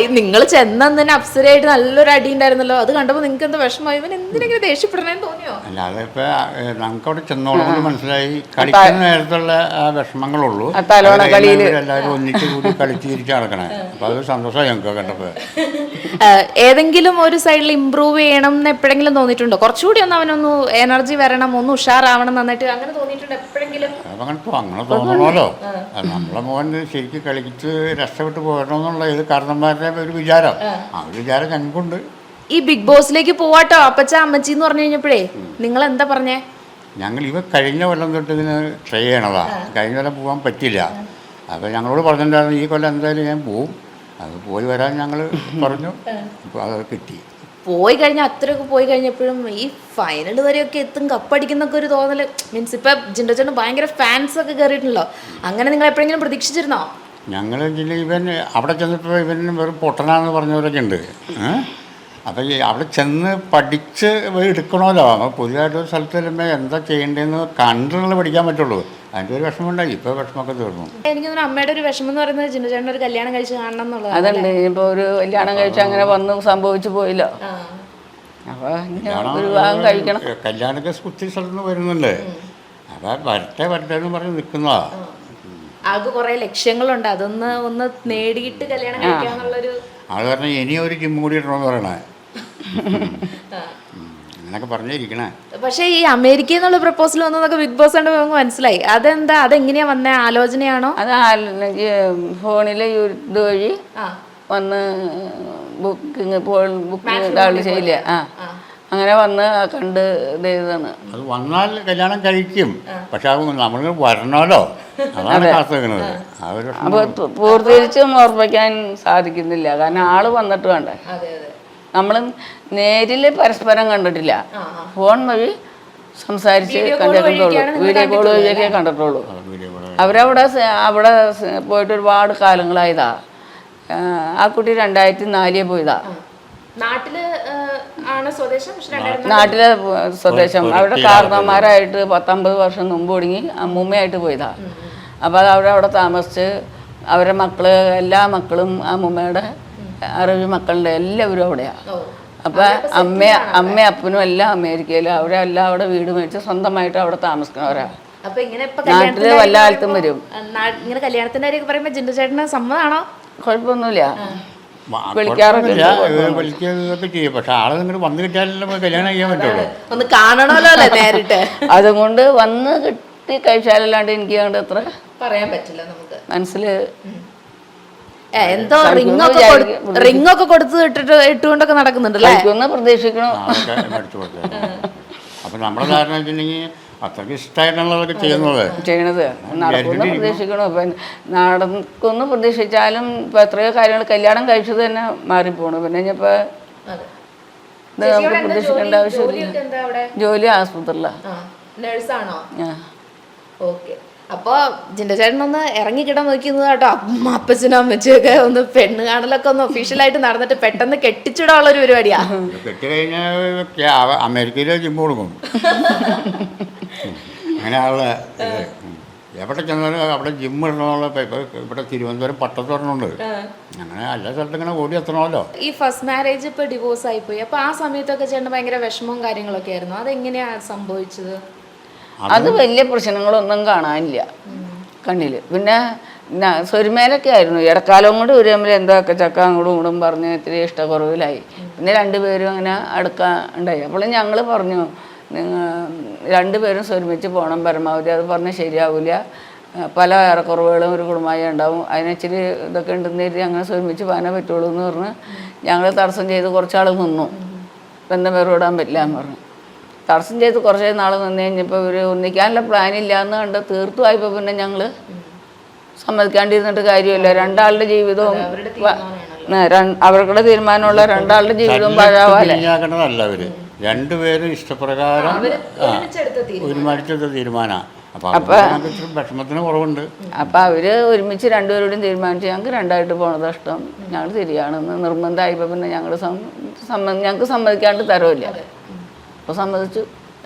നിങ്ങൾ ചെന്നെ അപ്സരയായിട്ട് നല്ലൊരു അടി ഉണ്ടായിരുന്നല്ലോ, അത് കണ്ടപ്പോൾ നിങ്ങൾക്ക് എന്താ വിഷമമായി? ഇവൻ എന്തിനെങ്കിലും ദേഷ്യപ്പെടണേന്ന് തോന്നിയോ? അല്ല, അതിപ്പോ നമുക്ക് അവിടെ ചെന്നോളം മനസ്സിലായി, കളിക്കുന്ന നേരത്തുള്ള ആ വിഷമങ്ങളുള്ളൂ. എല്ലാവരും ഒന്നിച്ച് കൂടി കളിച്ച് തിരിച്ച് നടക്കണേ. അപ്പൊ അത് സന്തോഷമായി ഞങ്ങൾക്ക് കണ്ടപ്പോ. ഏതെങ്കിലും ഒരു സൈഡിൽ ഇമ്പ്രൂവ് ചെയ്യണം എന്ന് എപ്പോഴെങ്കിലും തോന്നിയിട്ടുണ്ടോ? കുറച്ചുകൂടി ഒന്ന് അവനൊന്ന് എനർജി വരണം, ഒന്ന് ഉഷാറാവണം നന്നായിട്ട്, അങ്ങനെ തോന്നിയിട്ടുണ്ടോ എപ്പോഴെങ്കിലും? അങ്ങനെ തോന്നണമല്ലോ. നമ്മളെ മോൻ ശരിക്കും കളിച്ച് രക്ഷപ്പെട്ട് പോരണമെന്നുള്ള ഇത് കാരണന്മാരുടെ ഒരു വിചാരം, ആ ഒരു വിചാരം ഞങ്ങൾക്കുണ്ട്. ഈ ബിഗ് ബോസിലേക്ക് പോവാട്ടോ അപ്പച്ച അമ്മച്ചി എന്ന് പറഞ്ഞു കഴിഞ്ഞപ്പോഴേ നിങ്ങൾ എന്താ പറഞ്ഞേ? ഞങ്ങൾ കഴിഞ്ഞ കൊല്ലം തൊട്ട് ഇതിന് ട്രൈ ചെയ്യണതാ. കഴിഞ്ഞ കൊല്ലം പോകാൻ പറ്റില്ല. അപ്പോൾ ഞങ്ങളോട് പറഞ്ഞിട്ടുണ്ടായിരുന്നു ഈ കൊല്ലം എന്തായാലും ഞാൻ പോവും, അത് പോയി വരാൻ ഞങ്ങൾ പറഞ്ഞു. അപ്പോൾ അത് കിട്ടി. പോയി കഴിഞ്ഞാൽ അത്രയൊക്കെ പോയി കഴിഞ്ഞപ്പോഴും ഈ ഫൈനൽ വരെയൊക്കെ എത്തും, കപ്പടിക്കുന്നൊക്കെ ഒരു തോന്നൽ. മീൻസ് ഇപ്പം ജിൻഡോ ചേട്ടൻ ഭയങ്കര ഫാൻസ് ഒക്കെ കയറിയിട്ടുണ്ടല്ലോ, അങ്ങനെ നിങ്ങൾ എപ്പോഴെങ്കിലും പ്രതീക്ഷിച്ചിരുന്നോ? ഞങ്ങൾ ഇവൻ അവിടെ ചെന്നിട്ട് ഇവൻ വെറും പൊട്ടനാന്ന് പറഞ്ഞവരൊക്കെ ഉണ്ട്. അപ്പോൾ ഈ അവിടെ ചെന്ന് പഠിച്ച് എടുക്കണമല്ലോ. അപ്പോൾ പുതിയതായിട്ടൊരു സ്ഥലത്ത് ചെല്ലുമ്പോൾ എന്താ ചെയ്യേണ്ടതെന്ന് കണ്ടുള്ള പഠിക്കാൻ പറ്റുള്ളൂ. അതിൻ്റെ ഒരു വിഷമമുണ്ടായി. ഇപ്പോൾ വിഷമമൊക്കെ തീർന്നു. എനിക്ക് അമ്മയുടെ ഒരു വിഷമം എന്ന് പറയുന്നത് ജിൻഡോ ചേട്ടൻ ഒരു കല്യാണം കഴിച്ച് കാണണം എന്നുള്ളത്. അതുണ്ട്. ഇപ്പോൾ ഒരു കല്യാണം കഴിച്ച് അങ്ങനെ വന്ന് സംഭവിച്ചു പോയില്ലോ. അപ്പോൾ ഒരു വിവാഹം കഴിക്കണം. കല്യാണമൊക്കെ ഒത്തിരി സ്ഥലത്ത് നിന്ന് വരുന്നുണ്ട്. അപ്പോൾ വരട്ടെ എന്ന് പറഞ്ഞ് നിൽക്കുന്നതാ. ആകെ കുറെ ലക്ഷ്യങ്ങളുണ്ട്, ഒന്ന് നേടിയിട്ട് കല്യാണം കഴിക്കാന്നുള്ളൊരു അത് പറഞ്ഞാൽ ഇനി ഒരു ജിം കൂടി ഇടണമെന്ന് പറയണേ. അങ്ങനൊക്കെ പറഞ്ഞിരിക്കണേ. പക്ഷേ ഈ അമേരിക്കയിൽ നിന്നുള്ള പ്രപ്പോസൽ വന്നതൊക്കെ ബിഗ് ബോസ് കണ്ട് നമുക്ക് മനസ്സിലായി. അതെന്താ, അതെങ്ങനെയാ വന്ന ആലോചനയാണോ? അത് ഫോണിലെ ഇത് വഴി വന്ന് ബുക്കിങ് ചെയ്യില്ല. അങ്ങനെ വന്ന് കണ്ട് ഇതാണ്. അത് വന്നാൽ കല്യാണം കഴിക്കും, പക്ഷെ അത് നമ്മൾ വരണമല്ലോ, അതാണ് കാത്തുനിൽക്കുന്നത്. അപ്പോൾ പൂർത്തീകരിച്ചും ഓർമ്മിക്കാൻ സാധിക്കുന്നില്ല, കാരണം ആള് വന്നിട്ട് വേണ്ടേ. നമ്മൾ നേരിൽ പരസ്പരം കണ്ടിട്ടില്ല, ഫോൺ വഴി സംസാരിച്ച് കണ്ടിട്ടുള്ളൂ, വീഡിയോ കോൾ വഴിയൊക്കെ കണ്ടിട്ടുള്ളൂ. അവിടെ പോയിട്ട് ഒരുപാട് കാലങ്ങളായതാ. ആ കുട്ടി 2004 പോയതാ. നാട്ടിലെ സ്വദേശം. അവിടെ കാരണന്മാരായിട്ട് 19 വർഷം മുമ്പ് ഒടുങ്ങി അമ്മൂമ്മയായിട്ട് പോയതാ. അപ്പോൾ അത് അവിടെ താമസിച്ച് അവരുടെ മക്കള്, എല്ലാ മക്കളും അമ്മൂമ്മയുടെ 60 മക്കളുടെ എല്ലാവരും അവിടെയാണ്. അപ്പം അമ്മയും അപ്പനും എല്ലാം അമേരിക്കയിലും, അവരെല്ലാം അവിടെ വീട് മേടിച്ച് സ്വന്തമായിട്ട് അവിടെ താമസിക്കുന്നവരാ. നാട്ടില് വല്ല കാലത്തും വരും. ഇങ്ങനെ കല്യാണത്തിന്റെ കാര്യമൊക്കെ പറയുമ്പോൾ ജിൻഡോ ചേട്ടന് സമ്മതമാണോ? കുഴപ്പമൊന്നുമില്ല, വിളിക്കാറൊക്കെ ചെയ്യും. പക്ഷെ ആള് നിങ്ങൾ വന്നു കിട്ടിയാലല്ലോ കല്യാണം ചെയ്യാൻ പറ്റുള്ളൂ. ഒന്ന് കാണണമല്ലോ നേരിട്ട്. അതുകൊണ്ട് വന്ന് കിട്ടി കഴിച്ചാലല്ലാണ്ട് എനിക്ക് അങ്ങോട്ട് അത്ര പറയാൻ പറ്റില്ല. നമുക്ക് മനസ്സില് എന്തോ റിംഗ് ഒക്കെ കൊടുത്ത് ഇട്ടുകൊണ്ടൊക്കെ നടക്കുന്നുണ്ടല്ലേ, പ്രതീക്ഷിക്കണോ. അപ്പൊ നമ്മുടെ ധാരണ വെച്ചിട്ടുണ്ടെങ്കിൽ അത്രയ്ക്ക് ഇഷ്ടമായിട്ടുള്ളതൊക്കെ ചെയ്യണത് നടക്കുമെന്ന് പ്രതീക്ഷിക്കണോ. ഇപ്പം നടക്കുമെന്ന് പ്രതീക്ഷിച്ചാലും ഇപ്പം എത്രയോ കാര്യങ്ങൾ കല്യാണം കഴിച്ചത് തന്നെ മാറിപ്പോണു. പിന്നെ ഇനിയിപ്പോൾ ഇത് നമുക്ക് പ്രതീക്ഷിക്കേണ്ട ആവശ്യമില്ല. ജോലി ആസ്പത്രിയിലാണ്. അപ്പൊ ജിൻഡോ ചേട്ടൻ ഒന്ന് ഇറങ്ങിക്കിടാൻ നോക്കുന്നത് കേട്ടോ. അപ്പച്ചനും അമ്മച്ചിയൊക്കെ ഒന്ന് പെണ്ണ് കാണലൊക്കെ ഒന്ന് ഒഫീഷ്യലായിട്ട് നടന്നിട്ട് പെട്ടെന്ന് കെട്ടിച്ചിടാനുള്ള ഒരു പരിപാടിയാ. കെട്ടി കഴിഞ്ഞാൽ അമേരിക്കയിലെ ജിമ്മ് കൊടുക്കും. അങ്ങനെയുള്ള എവിടെ ചെന്നാലും അവിടെ ജിമ്മ് ഇടണമെന്നുള്ള ഇവിടെ തിരുവനന്തപുരം പട്ടത്തൊരെണ്ണമുണ്ട്. അങ്ങനെ എല്ലാ സ്ഥലത്തും ഇങ്ങനെ ഓടി എത്തണമല്ലോ. ഈ ഫസ്റ്റ് മാരേജ് ഇപ്പൊ ഡിവോഴ്സ് ആയിപ്പോയി. അപ്പൊ ആ സമയത്തൊക്കെ ചേട്ടൻ ഭയങ്കര വിഷമവും കാര്യങ്ങളൊക്കെ ആയിരുന്നു. അതെങ്ങനെയാ സംഭവിച്ചത്? അത് വലിയ പ്രശ്നങ്ങളൊന്നും കാണാനില്ല കണ്ണില്. പിന്നെ സ്വരുമേലൊക്കെ ആയിരുന്നു. ഇടക്കാലം കൊണ്ട് ഒരു തമ്മിൽ എന്തൊക്കെ ചക്ക അങ്ങോട്ടും ഇങ്ങോട്ടും പറഞ്ഞ് ഇത്തിരി ഇഷ്ടക്കുറവിലായി. പിന്നെ രണ്ടുപേരും അങ്ങനെ അടുക്കാൻ ഉണ്ടായി. അപ്പോൾ ഞങ്ങൾ പറഞ്ഞു, നിങ്ങൾ രണ്ടുപേരും സ്വരുമിച്ച് പോകണം പരമാവധി. അത് പറഞ്ഞാൽ ശരിയാവില്ല, പല ഏറെക്കുറവുകളും ഒരു കുടുംബമായി ഉണ്ടാവും, അതിനിച്ചിരി ഇതൊക്കെ ഉണ്ടെന്ന് കരുതി അങ്ങനെ സ്വരുമിച്ച് പോകാനേ പറ്റുള്ളൂ എന്ന് പറഞ്ഞ് ഞങ്ങൾ തടസ്സം ചെയ്ത് കുറച്ചാൾ നിന്നു. ബന്ധം വേർപെടാൻ പറ്റില്ല എന്ന് പറഞ്ഞു. തടസ്സം ചെയ്ത് കുറച്ച് നാൾ നിന്ന് കഴിഞ്ഞപ്പോൾ ഇവർ ഒന്നിക്കാനുള്ള പ്ലാനില്ല എന്ന് കണ്ട് തീർത്തുമായപ്പോൾ പിന്നെ ഞങ്ങൾ സമ്മതിക്കാണ്ടിരുന്നിട്ട് കാര്യമില്ല. രണ്ടാളുടെ ജീവിതവും അവരുടെ തീരുമാനമുള്ള രണ്ടാളുടെ ജീവിതവും പാഴാവാല്ലേ. രണ്ടുപേരും ഇഷ്ടപ്രകാരം ഒരുമിച്ചെടുത്ത തീരുമാനമാണ്. വിഷമത്തിന് കുറവുണ്ട്. അപ്പം അവര് ഒരുമിച്ച് രണ്ടുപേരോടും തീരുമാനിച്ചു ഞങ്ങൾക്ക് രണ്ടായിട്ട് പോണത് ഇഷ്ടം, ഞങ്ങൾ ശരിയാണെന്ന് നിർബന്ധമായപ്പോൾ പിന്നെ ഞങ്ങൾക്ക് സമ്മതിക്കാണ്ട് തരവില്ല. അപ്പോൾ സമ്മതിച്ചു.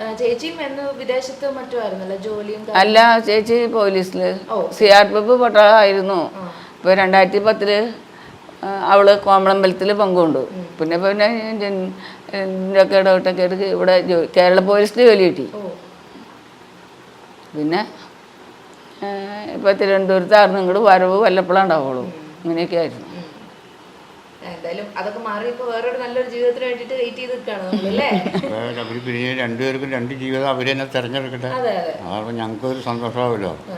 അല്ല, ചേച്ചി പോലീസിൽ CRPF പട്ടാളമായിരുന്നു. ഇപ്പോൾ 2010 അവള് കോമളമ്പലത്തിൽ പങ്കുകൊണ്ടു. പിന്നെ പിന്നെ ഇതിൻ്റെയൊക്കെ ഇടപെട്ടൊക്കെ എടുത്ത് ഇവിടെ കേരള പോലീസിൽ ജോലി കിട്ടി. പിന്നെ ഇപ്പോൾ തിരുവനന്തപുരത്തായിരുന്നു ഇങ്ങോട്ട് വരവ് വല്ലപ്പോഴും ഉണ്ടാവുള്ളൂ. ഇങ്ങനെയൊക്കെ ആയിരുന്നു. എന്തായാലും അതൊക്കെ മാറി ഇപ്പൊ വേറൊരു നല്ലൊരു ജീവിതത്തിന് വേണ്ടിട്ട് വെയിറ്റ് ചെയ്ത് നിൽക്കുകയാണ് നമ്മളല്ലേ. അവർ പിന്നെ രണ്ടുപേർക്കും രണ്ട് ജീവിതം അവർ തന്നെ തിരഞ്ഞെടുക്കട്ടെ. അതാകുമ്പോൾ ഞങ്ങൾക്കൊരു സന്തോഷമാവുമല്ലോ.